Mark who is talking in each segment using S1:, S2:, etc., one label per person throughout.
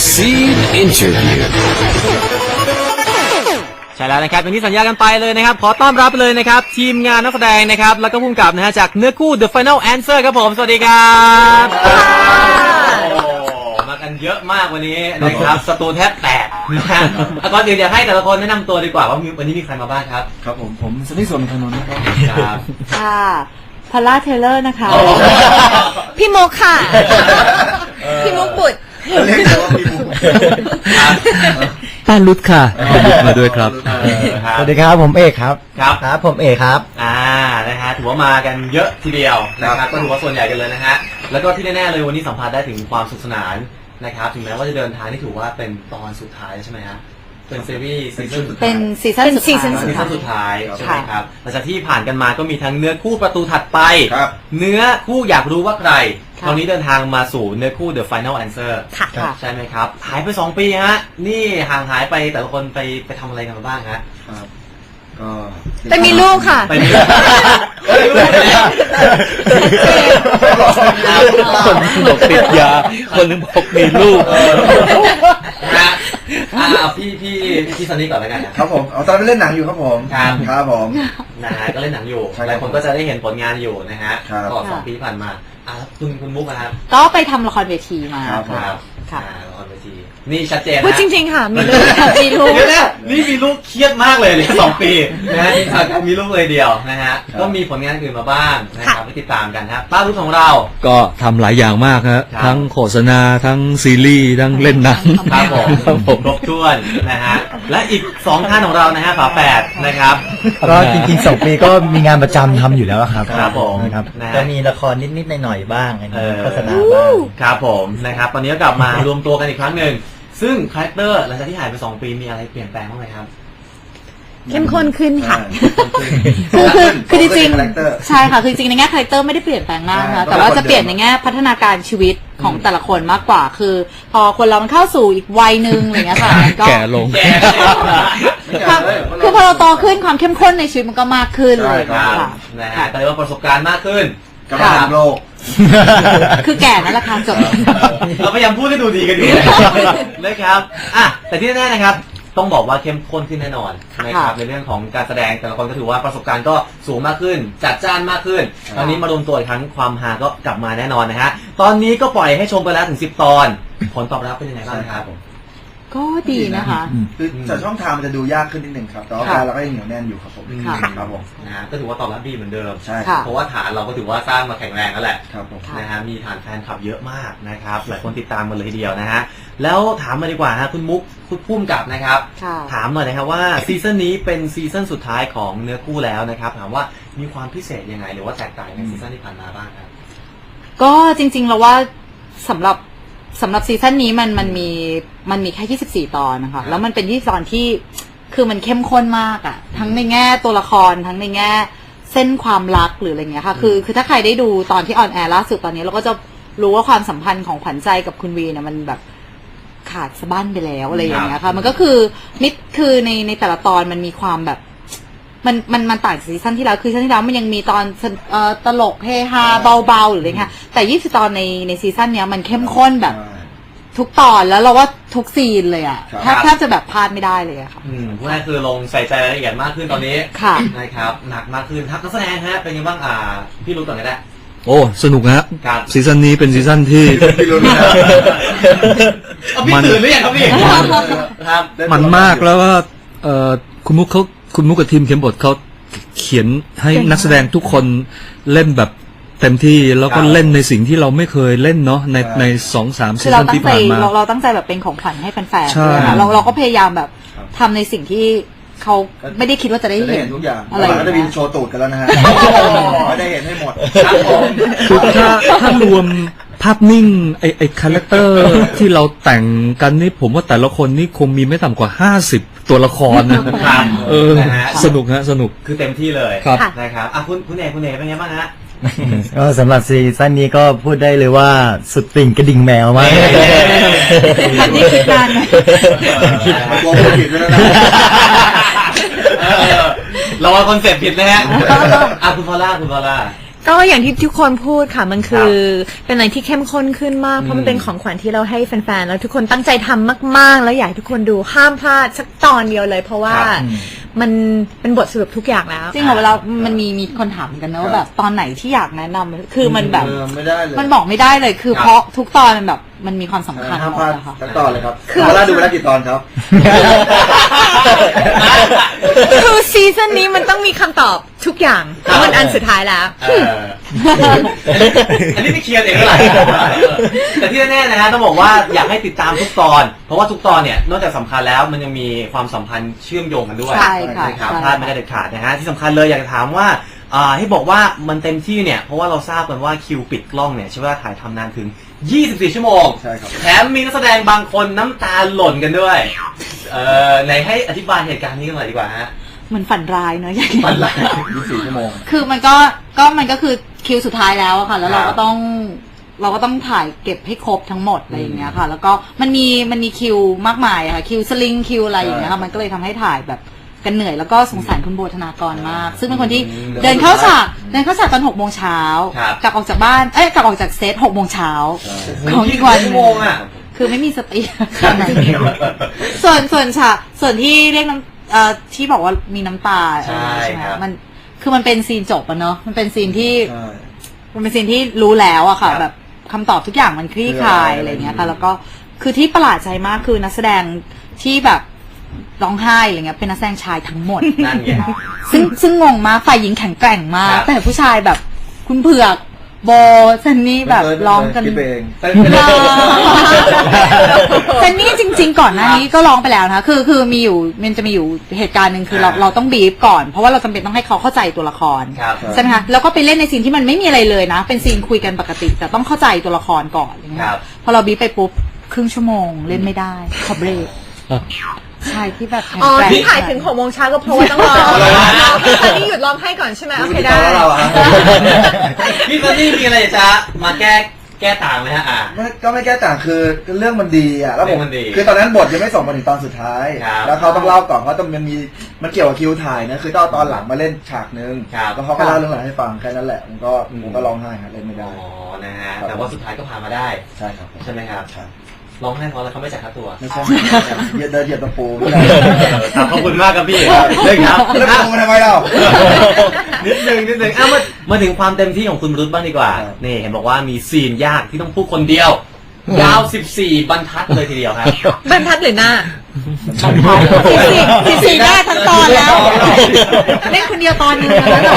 S1: Scene Interview
S2: ใช่แล้วนะครับอย่างที่สัญญากันไปเลยนะครับขอต้อนรับเลยนะครับทีมงานนักแสดงนะครับแล้วก็ผู้กำกับนะฮะจากเนื้อคู่ The Final Answer ครับผมสวัสดีครับมากันเยอะมากวันนี้นะครับสตูแทบแตกนะฮะก่อนอื่นอยากให้แต่ละคนแนะนำตัวดีกว่าว่าวันนี้มีใครมาบ้างครับ
S3: ครับผมสนิทส่วนขนนนะครับ
S2: ครับ
S4: ค่ะพอลล่าเทเลอร์นะคะ
S5: พี่มุกค่ะพี่มุกบุตร
S3: เรียกว่าพี่มุก
S1: ป้าลุดค่ะมาด้วยครับ
S6: สวัสดีครับผมเอกครับ
S2: ครับ
S6: ผมเอกครับ
S2: นะฮะถือว่ามากันเยอะทีเดียวนะครับก็ถือว่าส่วนใหญ่กันเลยนะฮะแล้วก็ที่แน่ๆเลยวันนี้สัมผัสได้ถึงความสนุกสนานนะครับถึงแม้ว่าจะเดินทางที่ถือว่าเป็นตอนสุดท้ายใช่ไหมฮะเป็นซีรีส์ซีซั่นสุดท้าย
S4: เป็นซีซั่น
S2: สุดท้ายใช่ไหมครับหลังจากที่ผ่านกันมาก็มีทั้งเนื้อคู่ประตูถัดไปเนื้อคู่อยากรู้ว่าใครคราวนี้เดินทางมาสู่เนื้อคู่ The Final Answer ใช่ไหมครับหายไป2 ปีฮะนี่ห่างหายไปแต่ละคนไปทำอะไรกันมาบ้างฮะ
S3: ก็
S5: ไปมีลูกค่ะ
S2: ไปมีลูก
S1: คนบอกติดยาคนนึงบอกมีลูก
S2: พี่ซันนี่ก่อนแล้วกัน
S3: ครับผมตอนไปเล่นหนังอยู่ครับผมครับผม
S2: นะฮะก็เล่นหนังอยู่หลายคนก็จะได้เห็นผลงานอยู่นะฮะตลอด2 ปีผ่านมาคุณมุกนะครับ
S4: ก็ไปทำละครเวทีมา
S2: ครับละครเวทีนี่ชัดเจนนะ
S5: พูดจริงๆค่ะมีลูก
S2: เดี๋ยวนะนี่มีลูกเครียดมากเลย2 ปีนะฮะที่การมีลูกเลยเดียวนะฮะก็มีผลงานอื่นมาบ้างนะครับไปติดตามกันครับป้าลูกของเรา
S1: ก็ทำหลายอย่างมากฮะทั้งโฆษณาทั้งซีรีส์ทั้งเล่นหนัง
S2: ครับผมครบถ้วนนะฮะและอีก2 ท่านของเรานะฮะฝาแฝดนะครับ
S6: ก็จริงๆ2 ปีก็มีงานประจำทำอยู่แล้วครับ
S2: ครับผม
S6: นะครับก็มีละครนิดๆหน่อยๆบ้างโฆษณาบ้าง
S2: ครับผมนะครับตอนนี้ก็กลับมารวมตัวกันอีกครั้งหนึ่งซึ่งคาแรคเตอร์หลังจากที่หายไป2 ปีมีอะไรเปลี่ยนแปลงบ้างไหมครับ
S5: เข้มข้นขึ้นค่ะ
S4: คือจริงๆใช่ค่ะคือจริงในแง่คาแรคเตอร์ไม่ได้เปลี่ยนแปลงมากนะแต่ว่าจะเปลี่ยนในแง่พัฒนาการชีวิตของแต่ละคนมากกว่าคือพอคนเรามันเข้าสู่อีกวัยนึงอะไรเงี้ยค่ะ
S1: แก่ลง
S4: คือพอเราโตขึ้นความเข้มข้นในชีวิตมันก็มากขึ้นเลย
S2: ค่ะนะฮะก็เรียกว่าประสบการณ์มากขึ้น
S3: กับทางโลก
S4: คือแก่นั่นแหละค่ะจบ
S2: เราพยายามพูดให้ดูดีกันอยู่นะครับแต่ที่แน่ๆนะครับต้องบอกว่าเข้มข้นขึ้นแน่นอนนะครับในเรื่องของการแสดงแต่ละคนก็ถือว่าประสบการณ์ก็สูงมากขึ้นจัดจ้านมากขึ้นตอนนี้มารวมตัวอีกครั้งความฮาก็กลับมาแน่นอนนะฮะตอนนี้ก็ปล่อยให้ชมไปแล้วถึง10 ตอนผลตอบรับเป็นยังไงบ้างครับ
S4: ก็ดีนะคะ
S3: คือจากช่องทางมันจะดูยากขึ้นนิดนึงครับแต่ว่าเราก็ยังเหนียวแน่นอยู่ครับผมครับผม
S2: นะฮะก็ถือว่าตอบรับดีเหมือนเดิม
S3: ใช่
S2: เพราะว่าฐานเราก็ถือว่าสร้างมาแข็งแรงแล้วแหละ
S3: ครับผม
S2: นะฮะมีฐานแฟนคลับเยอะมากนะครับหลายคนติดตามมาเลยทีเดียวนะฮะแล้วถามมาดีกว่าฮะคุณมุกคุณพุ่มกับนะครับถามหน่อยนะครับว่าซีซั่นนี้เป็นซีซั่นสุดท้ายของเนื้อคู่แล้วนะครับถามว่ามีความพิเศษยังไงหรือว่าแตกต่างในซีซั่นที่ผ่านมาบ้างครับ
S4: ก็จริงๆเราว่าสำหรับซีซั่นนี้มันมีแค่24 ตอนนะคะแล้วมันเป็น24 ตอนที่คือมันเข้มข้นมากอ่ะทั้งในแง่ตัวละครทั้งในแง่เส้นความรักหรืออะไรเงี้ยค่ะคือถ้าใครได้ดูตอนที่ออนแอร์ล่าสุดตอนนี้เราก็จะรู้ว่าความสัมพันธ์ของขวัญใจกับคุณวีเนี่ยมันแบบขาดสะบั้นไปแล้วอะไรอย่างเงี้ยค่ะมันก็คือในแต่ละตอนมันมีความแบบมันต่างจากซีซั่นที่แล้วคือซีซั่นที่แล้วมันยังมีตอนตลกเฮฮาเบาๆหรืออะไรเงี้ยแต่20 ตอนในซีซั่นเนี้ยมันเข้มข้นแบบทุกตอนแล้วเราว่าทุกซีนเลยอ่ะแทบจะแบบพลาดไม่ได้เลยอะค่ะ
S2: พวกนั้นคือลงใส่ใจรายละเอียดมากขึ้นตอนนี้นะครับหนักมากขึ้นทักนักแสดงฮะเป็นยังไงบ้างพี่รู้ก่อนก็ได้
S1: โอ้สนุกฮะซีซั่นนี้เป็นซีซั่นที่
S2: มันตื่นหรือยังครับพี่
S1: มันมากแล้วว่าคุณมุกกับทีมเขียนบทเขาเขียนให้นักแสดงทุกคนเล่นแบบเต็มที่แล้วก็เล่นในสิ่งที่เราไม่เคยเล่นเนาะใน 2-3 ซีซั่นที่ผ่านมา
S4: เราตั้งใจแบบเป็นของขวัญให้แฟนๆเราก็พยายามแบบทำในสิ่งที่เขาไม่ได้คิดว่าจะได้เห็น
S3: ทุกอย่างอะไรก็จะมีโชว์ตูดกันแล้วนะฮะไม่ได้เห็นให้หมด
S1: คือถ้ารวมภาพนิ่งไอ้คาแรคเตอร์ที่เราแต่งกันนี่ผมว่าแต่ละคนนี่คงมีไม่ต่ำกว่า50 ตัวละคร
S2: นะครับ
S1: สนุกฮะสนุก
S2: คือเต็มที่เลยนะครับคุณเอกเป็นไงบ้างฮะ
S6: ก็สำหรับซีซั่นนี้ก็พูดได้เลยว่าสุดติ่งกระดิ่งแมวมาก
S4: ทันที่คิดนาน
S3: ตัวผิดแล้วนะ
S2: เราว่าคอนเซ็ปต์ผิดนะฮะคุณพอลล่า
S5: ก็อย่างที่ทุกคนพูดค่ะมันคือเป็นอะไรที่เข้มข้นขึ้นมากเพราะมันเป็นของขวัญที่เราให้แฟนๆแล้วทุกคนตั้งใจทำมากๆแล้วอยากให้ทุกคนดูห้ามพลาดสักตอนเดียวเลย เพราะว่ามันเป็นบทสรุปทุกอย่างแล้ว
S4: จริงเหรอเวลามันมีคนถามกันนะว่าแบบตอนไหนที่อยากแนะนำคือมันแบบ
S3: ไม่ได้เลย
S4: มันบอกไม่ได้เลยคือเพราะทุกตอนมันแบบมันมีความสำคัญ
S3: ห้าม
S4: หม
S3: พลา
S4: ด
S3: ด
S4: นะคะ
S3: สักตอนเลยครับเวลาดูไปแล้วกี่ตอนครับ
S5: คือซีซั่นนี้มันต้องมีคำตอบทุกอย่างเพราะมันอันสุดท้ายแล้ว
S2: อันนี้ไม่เคลียร์เองเท่าไหร่แต่ที่แน่ๆนะฮะต้องบอกว่าอยากให้ติดตามทุกตอน เพราะว่าทุกตอนเนี่ยนอกจากสำคัญแล้วมันยังมีความสัมพันธ์เชื่อมโยงกันด้วย
S4: ใช่ค่ะ
S2: นะครับ
S4: ใช่
S2: พลาดไม่ได้เด็ดขาดนะฮะที่สำคัญเลยอยากจะถามว่าให้บอกว่ามันเต็มที่เนี่ยเพราะว่าเราทราบกันว่าคิวปิดกล้องเนี่ยใช้เวลาถ่ายทำนานถึง 24 ชั่วโมง
S3: ใช่ครับ
S2: แถมมีนักแสดงบางคนน้ำตาหล่นกันด้วยไหนให้อธิบายเหตุการณ์นี้กันหน่อยดีกว่าฮะ
S4: เหมือนฝันร้ายเนอะอย่าง
S2: ฝันร้าย
S3: 24 ชั่วโมง
S4: คือมันก็คือคิวสุดท้ายแล้วอะค่ะ แล้วเราก็ต้องถ่ายเก็บให้ครบทั้งหมดอะไรอย่างเงี้ยค่ะ แล้วก็มันมีคิวมากมายอะค่ะคิวสลิงคิวอะไรอย่างเงี้ยค่ะมันก็เลยทำให้ถ่ายแบบกันเหนื่อยแล้วก็สงสารคุณโบธนากรมาก ซึ่งเป็นคนที่เดินเข้าฉากตอน6 โมงเช้ากลับออกจากบ้านกลับออกจากเซต6 โมงเช้าของอีกวัน
S2: ชั่วโมงอ่ะ
S4: คือไม่มีสติส่วนที่เรียกน้ำที่บอกว่ามีน้ำตา
S2: ใช่
S4: ไหม
S2: ครับ
S4: มันเป็นซีนจบอะเนาะมันเป็นซีนที่
S3: ใช่
S4: มันเป็นซีนที่รู้แล้วอะค่ะ
S2: ครับ
S4: แบบคำตอบทุกอย่างมันคลี่คลายอะไรเงี้ยค่ะแล้วก็คือที่ประหลาดใจมากคือนักแสดงที่แบบร้องไห้อะไรเงี้ยเป็นนักแสดงชายทั้งหมด
S2: นั่นไง
S4: ซึ่งงงมากฝ่ายหญิงแข็งแกร่งมาก
S2: ครับ
S4: แต่ผู้ชายแบบคุณเผือกโบซันนี่แบบร้องกัน
S3: คิดไปเอง
S4: เซนนี่จริงๆก่อนหน้านี้ก็ร้องไปแล้วนะคะคือมันจะมีอยู่เหตุการณ์หนึ่งคือเราต้องบีบก่อนเพราะว่าเราจำเป็นต้องให้เขาเข้าใจตัวละคร
S2: ครับ
S4: ใช่ไหมคะแล้วก็ไปเล่นในซีนที่มันไม่มีอะไรเลยนะ เป็นซีนคุยกันปกติ แต่ต้องเข้าใจตัวละครก่อนอะไรเงี้
S2: ครั
S4: ย
S2: บ
S4: พอเราบีบไปปุ๊บครึ่งชั่วโมงเล่นไม่ได้ขอเบรกใช่ที่แบบแข็ง
S5: อ๋อ
S4: แกร่ง
S5: ที่ถ่ายถึง6 โมงเช้าก็เพราะว่าต้องรอตอนนี้หยุดร้องไห้ก่อนใช่ไหมโอเคได้
S3: แล้วเราอะ
S2: พี่ซันนี่มีอะไรจะมาแก้ต่างไหมฮะ
S3: ก็ไม่แก้ต่างคือเรื่องมันดีอ่ะแล้วผม
S2: เรื่องมันดี
S3: คือตอนนั้นบทยังไม่ส่งมาถึงตอนสุดท้าย
S2: ครับ
S3: แล้วเขาต้องเล่าก่อนเพราะมันเกี่ยวกับคิวถ่ายนะคือตอนหลังมาเล่นฉากนึง
S2: ครับ
S3: แล้วเขาก็เล่าเรื่องหลังให้ฟังแค่นั้นแหละผมก็ร้องไห้ครับเล่นไม่
S2: อ๋
S3: ได้
S2: อนะฮะ
S3: ครับ
S2: แต่ว่าสุดท้ายก็พามาได้
S3: ใช่ครับ
S2: ใช่ไหมครับ
S3: ใช่
S2: ร้องไห้เพราะอะไรเขาไม่จ่ายค่าตัว
S3: ไม่ใช่เดินเหยียบตะปูไม่ได้
S2: ขอบคุณมากครับพี่เลยครับ
S3: แล้วตะปูทำไมเรา
S2: นิดนึงมาถึงความเต็มที่ของคุณรุตบ้างดีกว่า
S3: ครับ
S2: นี่เห็นบอกว่ามีซีนยากที่ต้องพูดคนเดียว ยาว 14 บรรทัดเลยทีเดียวครับ
S5: บรรทัดหรือหน้า
S4: 14หน้าทั้งตอนแล้วเล่นคนเดียวตอนนึงแล้วแบบ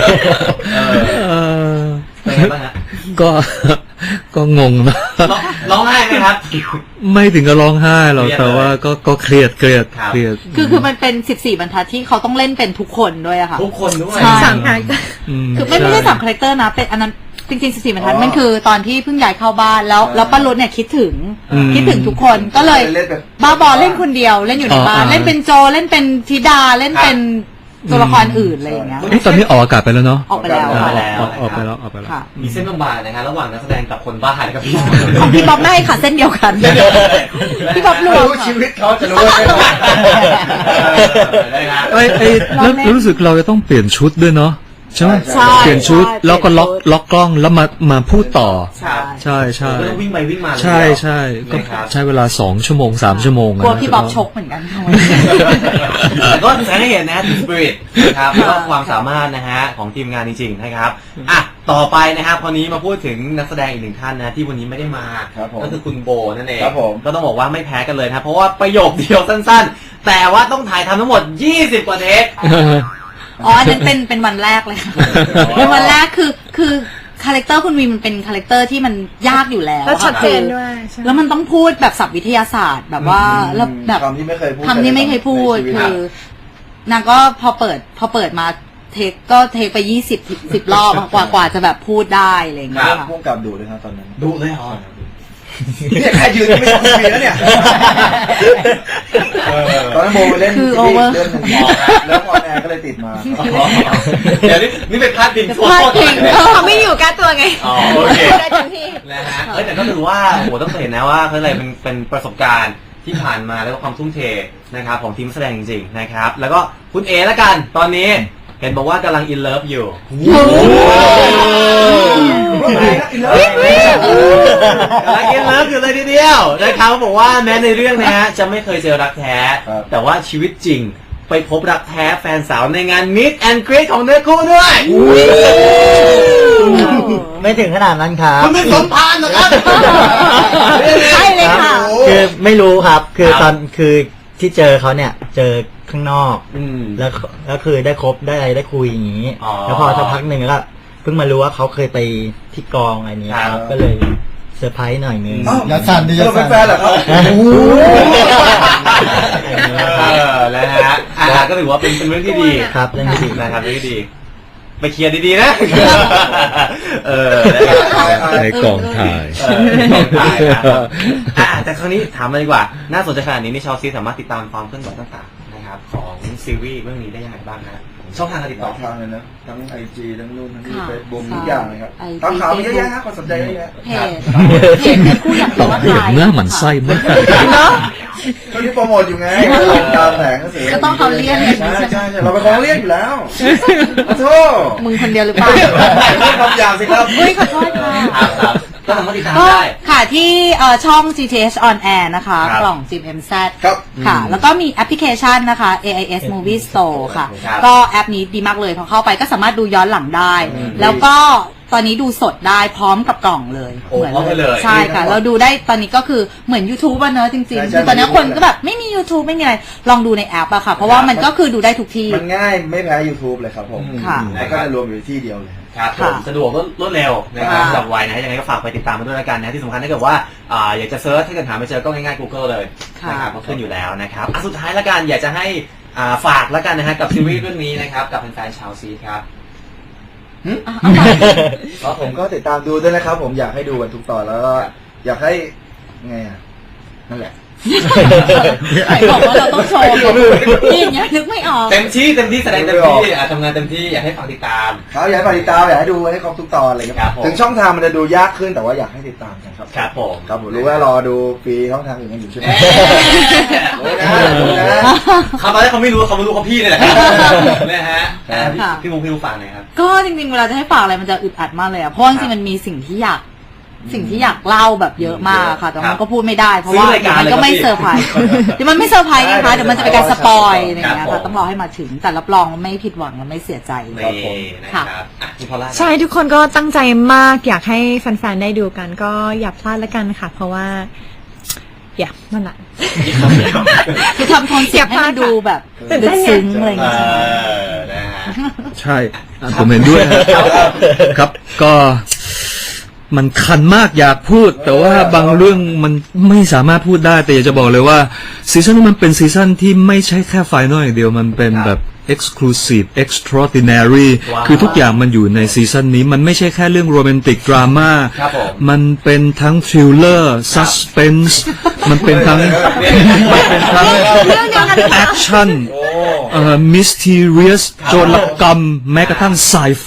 S2: เป็นไงบ้างฮะ
S1: ก็งงนะ
S2: ร้องไห้ไหมครับ
S1: ไม่ถึงกับร้องไห้หรอก
S2: เครียด
S1: แต่ว่าก็เครียด
S2: ครับ
S4: คือมันเป็น14บรรทัดที่เขาต้องเล่นเป็นทุกคนด้วยอะค่ะ
S2: ทุกคนด้วย
S4: ใช่
S5: สั่งหาย
S4: คือไม่ใช่3คาแรคเตอร์นะเป็นอันนั้นจริงๆ14บรรทัดมันคือตอนที่เพิ่งย้ายเข้าบ้านแล้วป้ารุ้เนี่ยคิดถึงทุกคนก็เลย
S3: เล่นแบบ
S4: บ้าบอเล่นคนเดียวเล่นอยู่ในบ้าน
S1: อ๋อ
S4: เล่นเป็นโจเล่นเป็นธิดาเล่นเป็นตัวละครอื่นอะไรอย่างเงี้ย
S1: เอ๊ะตอนนี้ออกอากาศไปแล้วเนาะ
S4: ออกไปแล้ว
S2: ออก
S4: ค่ะ
S2: ไปแล้ว
S1: ออกไปแล้ว
S4: ค่ะ
S2: มีเส้นบางๆนะฮะระหว่างนักแสดงกับคนบ้านะครับพี่
S4: ของพี่บ๊อบไม่ค่ะเส้นเดียวกันพี่บ๊อบรวม
S3: รู้
S4: ค่ะ
S3: ชีวิตเขาจะรู้ว่าเป็นยังไง
S2: ได้ครับ
S1: เอ้ยแล้วรู้สึกเราจะต้องเปลี่ยนชุดด้วยเนาะใช่ไหม
S4: ใช่
S1: เปลี่ยนชุด
S4: ใช่
S1: แล้วก็ล็อก
S4: เปลี่ยนชุด
S1: ล็อกกล้องแล้วมาพูดต่อ
S2: ครับ
S1: ใช่ใช่
S2: ก็ต้องวิ่งไปวิ่งมาเลย
S1: ใช่ใช่ก็
S2: นะครับ
S1: ใช้เวลา2 ชั่วโมง 3 ชั่วโมง
S4: กลัว
S1: นะ
S4: พี่บ๊อบชกเหมือนกันค่ะ
S2: แต่ก็แสดงให้เห็นนะถึงสปิริตนะครับแล้วก็ความสามารถนะฮะของทีมงานจริงๆนะครับอ่ะต่อไปนะครับคราวนี้มาพูดถึงนักแสดงอีกหนึ่งท่านนะที่วันนี้ไม่ได้มา
S3: ครับผม
S2: ก็คือคุณโบนั่นเอง
S3: ครับผม
S2: ก็ต้องบอกว่าไม่แพ้กันเลยนะเพราะว่าประโยคเดียวสั้นๆ แต่ว่าต้องถ่ายทำทั้งหมด 20 กว่าเทค
S4: อ๋ออันนั้นเป็นวันแรกเลยค่ะเป็นวันแรกคือคาแรคเตอร์คุณวีมันเป็นคาแรคเตอร์ที่มันยากอยู่แล้ว
S5: แล้วชัดเจน
S4: ค่ะ
S5: ด้วยใช่ไหม
S4: แล้วมันต้องพูดแบบศัพท์วิทยาศาสตร์แบบว่าแล้วแบบ
S3: คำที่ไม่เคยพูด
S4: คำที่ไม่เคยพูด
S3: ในชีวิต
S4: คือนางก็พอเปิดมาเทคไป10 รอบกว่าจะแบบพูดได้อะไรอย่างเงี้ยค่ะ
S3: พุ่งกับดูเลยครับตอนนั้น
S2: ดูเลยเหรอ
S3: เนี่ยใครยืนไม่ต้องคุยแล้วเนี่ยตอนนั้นโบไปเล่น
S4: คือ
S3: ซีรีส์
S4: over
S3: เรื่องหนึ่งแล้วพอแอร์ก็เลยติดมา
S2: เดี๋ยวนี่เป็นพาดพิงทั่ว
S4: พาดพิง
S5: เขาไม่อยู่การตัวไง
S2: อ๋อโอเค
S5: ได้เต็มที่
S2: นะฮะแต่ก็ถือว่าโหต้องเห็นนะว่าเขาอะไรเป็นประสบการณ์ที่ผ่านมาแล้วก็ความทุ่มเทนะครับของทีมแสดงจริงๆนะครับ แล้วก็คุณเอละกันตอนนี้เห็นบอกว่ากำลัง in love อยู่กำลัง in love อยู่เลยทีเดียวนะครับบอกว่าแม้ในเรื่องนะฮะจะไม่เคยเจอรักแท้ แต่ว่าชีวิตจริงไปพบรักแท้แฟนสาวในงาน Meet and Greet ของเนื้อคู่ด้วย
S6: ไม่ถึงขนาดนั้นครับ
S2: คุณเป็นสมพานเหรอครับ
S4: ใช่เลยค่ะ
S6: คือไม่รู้ครับ คือตอนคือที่เจอเขาเนี่ยเจอข้างนอก แล้วคือได้คบได้อะไรได้คุยอย่างนี้ แล้วพอสักพักหนึ่งก็เพิ่งมารู้ว่าเขาเคยไปที่กองอะไรนี้ครับก็เลยเซอร์ไพรส์หน่อยนึง
S3: อย่าสั่นดิอย่าสั่นเป็นแฟนเหรอครับ
S2: แล้วฮะก็ถือว่าเป็นเรื่องที่ดี
S6: ครับเรื่องที่ดี
S2: นะครับเรื่องที่ดีไปเคลียร์ดีๆนะ
S1: ในกองถ่าย
S2: แต่ครั้งนี้ถามมาดีกว่าน่าสนใจขนาดนี้นี่ชาวซีสามารถติดตามความเคลื่อนไหวต่างๆนะครับของซีรีส์เรื่องนี้ได้ยังไงบ้างนะช่องทางการติด
S3: ห
S2: ต่
S3: ลา
S2: อ
S3: ยทางเลยนะทั้ง IG ทั้งนู่นทั้งนี่
S4: ค่ะ
S3: เฟซบุ๊กทุกอย่างเลยครับ
S4: IG
S3: ตามข่าวมีเยอะแยะนะคนสนใจเยอะแยะ
S4: เพจเป็นคู่อยาก
S1: ต
S4: รู้
S1: อบ
S4: ว่า
S1: เรื่อง
S4: ใคร
S1: หน้าหมันไส้มาก
S3: ก็ที่โปรโมทอยู่ไงตามแผงก็เสีย
S4: ก็ต้องเขาเรียกอย่างนี้
S3: ใช่
S4: ใช่ไหม
S3: ใช่เราเป็นของเรียกอยู่แล้วขอโทษ
S4: มึงคนเดียวหรือเปล่า
S3: ไม่คำหยาบสิครับ
S4: เฮ้ยขอโทษค่ะ
S2: ครับก็สามารถติดตาม
S4: ก็
S2: ได้
S4: ค่ะที่ช่อง GTH on air นะคะ
S2: ครับ
S4: กล่อง GMZ
S3: ครับ
S4: ค่ะ แล้วก็มีแอปพลิเคชันนะคะ AIS Movie Store ค่ะ
S2: ครับ
S4: ก็แอปนี้ดีมากเลยพอเข้าไปก็สามารถดูย้อนหลังได้ แล้วก็ตอนนี้ดูสดได้พร้อมกับกล่องเลย
S2: โอ้พร้อมกันเลย
S4: ใช่ค่ะ เราดูได้ตอนนี้ก็คือเหมือน YouTube อะเนอะจริง
S3: ใช่
S4: ๆ
S3: ใช่
S4: คือตอนนี้คนก็แบบไม่มี YouTube ไม่มีอะไร ลองดูในแอปอะค่ะ เพราะว่ามันก็คือดูได้ทุกที่
S3: มันง่ายไม่แพ้ YouTube เลยครับผม
S4: ค่ะ
S3: แล้วก็จะรวมอยู่ที่เดียวเลย
S2: ครับผม
S4: ค่ะ
S2: สะดวกรวดเร็วนะครับ
S4: ค่ะ
S2: สำหรับวัยนะฮะยังไงก็ฝากไปติดตามมาด้วยแล้วกันนะที่สำคัญถ้าเกิดว่าอยากจะเซิร์ชถ้าเกิดหาไม่เจอก็ง่ายๆ Google เลยนะครับก็ขึ้นอยู่แล้วนะครับสุดท้ายแล้วกันอยากจะให้ฝากแล้วกันนะฮะกับซีรีส์เรื่องนี้นะครับกับแฟนๆชาวซีครับ
S3: ครับผมก็ติดตามดูด้วยนะครับ ผมอยากให้ดูกันทุกตอนแล้วก็อยากให้ไงอ่ะนั่นแหละ
S4: ใครบอกว่าเราต้องโชว์นี่อย่างเงี้ยนึกไม่ออก
S2: เต็มที่แสดงเต็มที่ทำงานเต็มที่อยากให้ฝากติดตาม
S3: ครับอยากให้ติดตามอยากให้ดูให้ครบทุกตอนอะไร
S2: ครั
S3: เงี้
S2: บ
S3: ย
S2: ผม
S3: ถึงช่องทางมันจะดูยากขึ้นแต่ว่าอยากให้ติดตามกันครับ
S2: ครับผม
S3: ครับผมรู้ว่ารอดูฟรีช่องทางอื่นกันอยู่ใช่ไหม
S2: โอ้ยนะเขาตอนแรกเขาไม่รู้เขาพี่นี่แหละนะฮะพี่มุกฝากหน่อยครับ
S4: ก็จริงๆเวลาจะให้ฝากอะไรมันจะอึดอัดมากเลยอะเพราะจริงๆมันมีสิ่งที่อยากเล่าแบบเยอะมากค่ะแต่มันก็พูดไม่ได้เพราะว่ามันก็ไม่เซอร์ไพรส์เดี๋ยวมันไม่เซอร์ไพรส์ไงคะเดี๋ยวมันจะเป็นการสปอยอะไรอย่างเงี้ยค่ะต้องรอให้มาถึงแต่รับรองว่าไม่ผิดหวังและไม่เสียใจ
S2: นี่นะครับคุณพอลล่า
S5: ใช่ทุกคนก็ตั้งใจมากอยากให้แฟนๆได้ดูกันก็อย่าพลาดแล้วกันค่ะ เพราะว่านั่นแหละ
S4: คือทำโทนเสียงให้มันดูแบบลึกซึ้งอะไรอย่างเงี้ย
S2: นะฮะ
S1: ใช่ผมเห็นด้วยครับก็มันคันมากอยากพูด แต่ว่าบางเรื่องมันไม่สามารถพูดได้แต่อยากจะบอกเลยว่าซีซั่นนี้มันเป็นซีซั่นที่ไม่ใช่แค่ไฟนอลอย่างเดียวมันเป็นแบบ exclusive extraordinary คือทุกอย่างมันอยู่ในซีซั่นนี้มันไม่ใช่แค่เรื่องโรแมนติกดราม่ามันเป็นทั้งทริลเลอร์ซัสเพนส์มันเป็นทั้งแอคชั่นมิสทีเรียสโจรกรรมแม้กระทั่งไซไฟ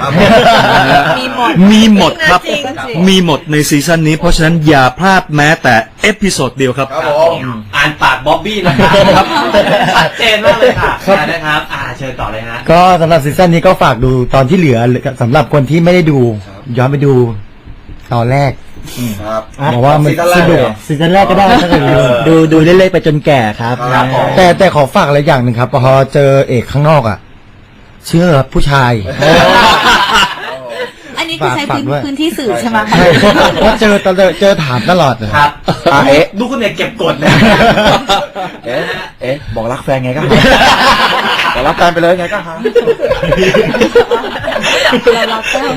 S1: มีหมดครับมีหมดในซีซั่นนี้เพราะฉะนั้นอย่าพลาดแม้แต่เอพิโซดเดียวครับ
S3: ครับผม
S2: อ่านปากบ๊อบบี้นะครับชัดเจนมากเลยค่ะนะครับเชิญต่อเลยฮะ
S6: ก็สำหรับซีซั่นนี้ก็ฝากดูตอนที่เหลือสำหรับคนที่ไม่ได้ดูย้อนไปดูตอนแรก
S3: ครับ
S6: บอกว่ามันสนุกซีซั่นแรกก็ได้ถ้าเกิดดูเรื่อยๆไปจนแก่ครับ
S3: ครับผม
S6: แต่ขอฝากอะไรอย่างหนึ่งครับพอเจอเอกข้างนอกอ่ะเชื่อผู้ชาย
S4: อันนี้คือใช้
S6: ฝากด้วย
S4: พื้นที่สื่อใช่ไหม
S6: ใช่เพราะเจอถามตลอด
S2: ครับ
S3: เอ๊ะ
S2: ดูคุณเนี่ยเก็บกดนะ
S3: บอกรักแฟนไงก็หาบอกรักแฟนไปเลยไงก็หา
S4: เรารักแก้ว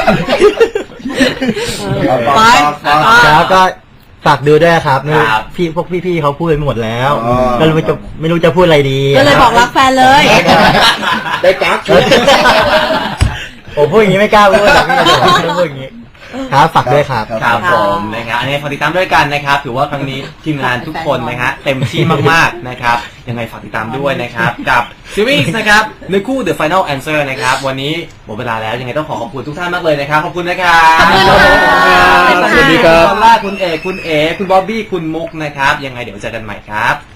S3: ไป
S6: แล้วก็ฝากดูด้วยครับ
S2: ครับ
S6: พวกพี่ๆเขาพูดไปหมดแล้ว
S3: อ๋อ
S6: ก็เลยไม่รู้จะพูดอะไรดี
S4: ก็เลยบอกรักแฟนเลย
S3: ได้กั๊ก
S6: ผมพูดอย่างนี้ไม่กล้าพูดแต่พี่จะพูดอย่างนี้ครับฝากด้วยครับ
S2: ครับผมนะครับอันนี้ฝากติดตามด้วยกันนะครับถือว่าครั้งนี้ทีมงานทุกคนนะฮะเต็มที่มากๆนะครับยังไงฝากติดตามด้วยนะครับกับซีรีส์นะครับในคู่ The Final Answer นะครับวันนี้หมดเวลาแล้วยังไงต้องขอบคุณทุกท่านมากเลยนะครับขอบคุณนะครับ
S4: ขอบคุณค่ะ
S2: สวัสดีครับคุณล่าคุณเอกคุณเอคุณบ๊อบบี้คุณมุกนะครับยังไงเดี๋ยวเจอกันใหม่ครับ